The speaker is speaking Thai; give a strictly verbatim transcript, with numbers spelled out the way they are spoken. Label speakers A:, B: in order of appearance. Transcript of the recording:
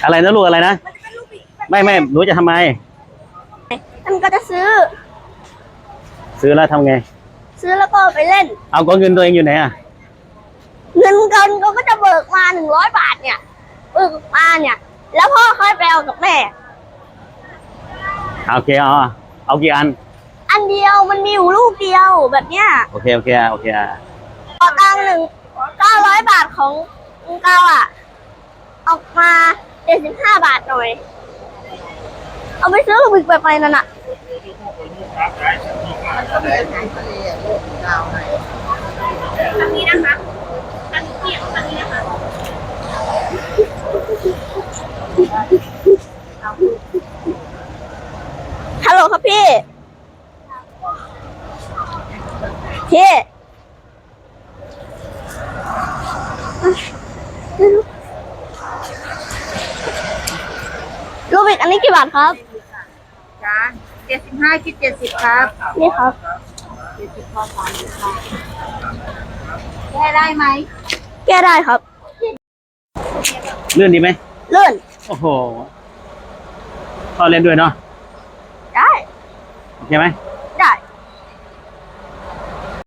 A: อะไรนะลูกอะไรนะไม่ไม่หนูจะทำไม
B: มันก็จะซื้อ
A: ซื้อแล้วทำไง
B: ซื้อแล้วก็ไปเล่น
A: เอาก็เงินตัวเองอยู่ไหนอ่ะ
B: เงินเงินก็จะเบิกมาหนึ่งร้อยบาทเนี่ยเบิกมาเนี่ยแล้วพ่อค่อยไปเอากับแม่
A: โอเคเอาเอากี่อัน
B: อันเดียวมันมีอยู่ลูกเดียวแบบเนี้ย
A: โอเคโอเคโอเค
B: ขอตังค์หนึ่งเก้าร้อยบาทของเก้าอ่ะออกมาเจ็ดสิบห้าบาทหน่อยเอาไปซื้อลูกบิกไปไปนั่นน่ะทางนี้นะคะทางนี้ทางนี้นะคะฮัลโหลครับพี่พี่ลูบิกอันนี้กี่บาทครับ
C: จ้าเจ็ดสิบห้าคิดเจ็ดสิบครับ
B: นี่ครับ
C: เจ็ดสิบพอสามสิบค่ะแก้ได้ไหม
B: แก้ได้ครับ
A: เลื่อนดีไหม
B: เลื่อน
A: โอ้โหพ่อเล่นด้วยเนาะ
B: ได้
A: โอเคไหม